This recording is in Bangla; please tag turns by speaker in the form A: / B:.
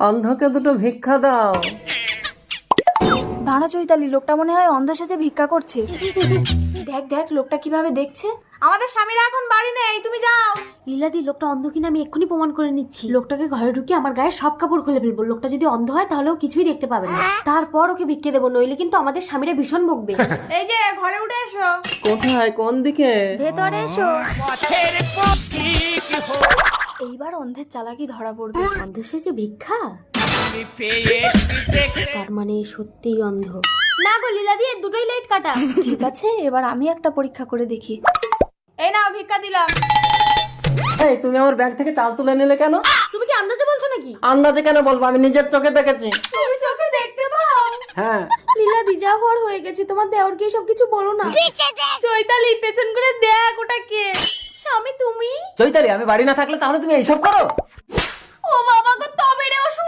A: অন্ধকে দুটো ভিক্ষা দাও।
B: দাঁড়া চৈতালি, লোকটা মনে হয় অন্ধ সেজে ভিক্ষা করছে। দেখ দেখ লোকটা কিভাবে দেখছে। আমাদের স্বামীরা এখন বাড়ি নেই, তুমি যাও। লীলাদি, লোকটা অন্ধ কিনা আমি এক্ষুনি প্রমাণ করে নিচ্ছি। লোকটাকে ঘরে ঢুকে আমার গায়ে সব কাপড় খুলে ফেলবো। লোকটা যদি অন্ধ হয় তাহলেও কিছুই দেখতে পাবে না। তারপর ওকে ভিক্ষে দেবো, নইলে কিন্তু আমাদের স্বামীরা ভীষণ বকবে। এই যে ঘরে উঠে এসো।
A: কোথায়, কোন দিকে?
B: ভেতরে এসো। এইবার অন্ধের চালাকি ধরা পড়বে। অন্ধ সেজে ভিক্ষা, তার মানে সত্যিই অন্ধ। না গো লীলাদি, দুটোই লাইট কাটা। ঠিক আছে, এবার আমি একটা পরীক্ষা করে দেখি। এই নাও ভিক্ষা দিলাম।
A: এই, তুমি আমার ব্যাগ থেকে চাল তুলে নিলে কেন?
B: তুমি কি আন্দাজে বলছো নাকি?
A: আন্দাজে কেন বলবো, আমি নিজের চোখে দেখেছি।
B: তুমি চোখে দেখতে পাও?
A: হ্যাঁ।
B: লীলাদি, যা হওয়ার হয়ে গেছে, তোমার দেওরকে সব কিছু বলো না। চৈতালি, পেছন করে দেখ ওটা কে। স্বামী তুমি?
A: চৈতালি, আমি বাড়ি না থাকলে তাহলে তুমি এইসব করো?
B: ও বাবা গো,